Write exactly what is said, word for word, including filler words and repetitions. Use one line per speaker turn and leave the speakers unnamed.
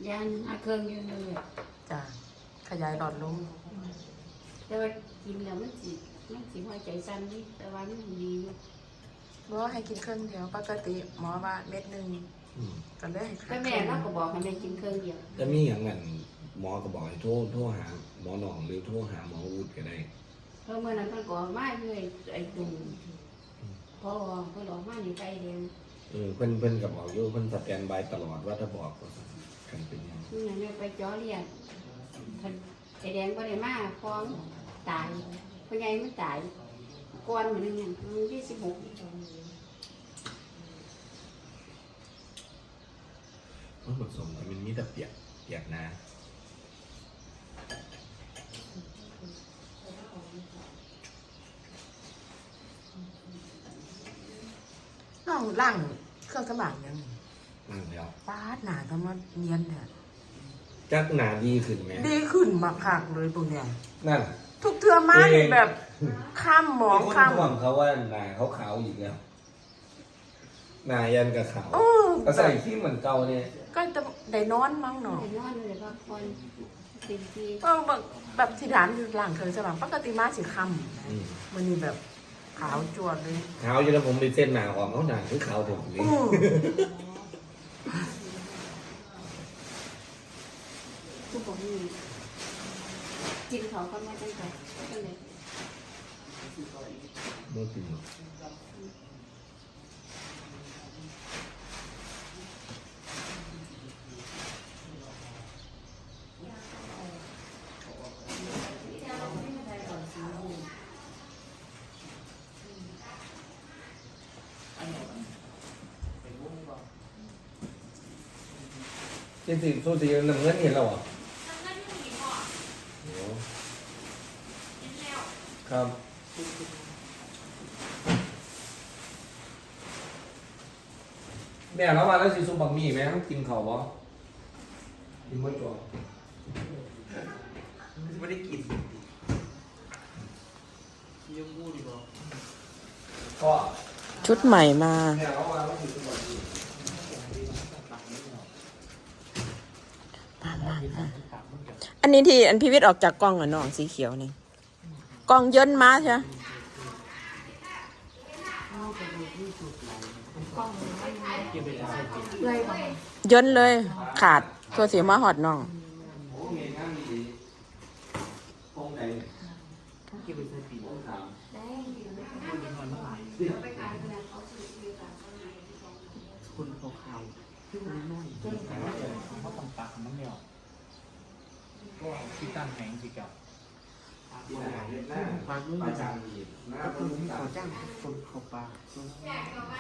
ยานอาเครื่องอยู่เลย
จ้ะขยายหลอดลม
แต่ว่ากินแล้วมันสิมันสิหัวใจสั่นดิแต่ว่ามันดีอยู่
บอกว่าให้กินเครื่องเดียวปกติหมอว่าเม็ดหนึ่งก็เลยให้
แต่แม่เราก็บอกให้แม่กินเครื่องเดียว
จะมีอย่างนั้นหมอก็บอกให้โทรโทรหาหมอหนองหรือโทรหาหมออูดก็ได้
เพราะเมื่อนั้นเพิ่นก็มาเลยไอ้ตุ่มพอเพิ่นออกมานี่ไกลเดียว
เออเพิ่นเพิ่นก็บอกอยู่เพิ่นสแตนบายตลอดว่าถ้าบอกก็กันเป็นยัง
นี่นั่นเนี่ยไปจ่อเรียนเพิ่นไอ้แดงบ่ได้มาฟ้องตายพ่อใหญ่มันตายก่อนมื้อนึงมื้อที่สิบหก
มันผสมมันมีแต่เปียกเปียกนะ
น้องล่างเครื่องสมองยัง
นั่งแล้ว
ป้าดหนาทำมาเนียนเนี่ย
จักหนาดีขึ้นไหม
ดีขึ้นมากคักเลยพวกเนี้ย
นั่น
ทุกเทือมานี่แบบข้ามหมองข้าม
ห่วงเขาว่าหนาเขาขาวอีกแล้วหนายันกับขาวก็ใส่ที่เหมือนเก่าเนี่ย
ก็จะได้นอนมั้งหนอ
ได้นอนเลยพักผ่อนเต็มที่
ก็แบบแบบที่ร้านหลังเคยสว่างปกติมาสิค่ำมันนี่แบบขาวจวดเลย
ขาวอยู่แล้วผมไปเส้นหนาออกเขาหนาคือขาวถึงนี้
ทุกคนนี่กินเขาก็ไม่ตั้งใจตั้งใจ
ไม่กินหรอกจริงๆสู้สีน้ำเงินเห็นแล้วเหรอครับแม่เรามาแล้วสิซุปบักมี่ไหมต้องกินเขาวะกินไม่จ่อ
ไม่ได้กินยังพูดอีกเหรอ
ก็
ชุดใหม่มา
แม่เรามาแล้วสิซุปบักมี่
อันนี้ที่อันพิวิทย์ออกจากกล้องอ่ะน้องสีเขียวนี่กล้องเยินมาใช่ไหมเยินเลยขาดตัวเสียมาหอดน้อง
คนเขาขาวที่มันน้อยเขาต้องปากมันไม่ออกก็ที่ตั้งแหงสิกับปากนู้นปากจางก็คือเขาจ้างคนเขาปาก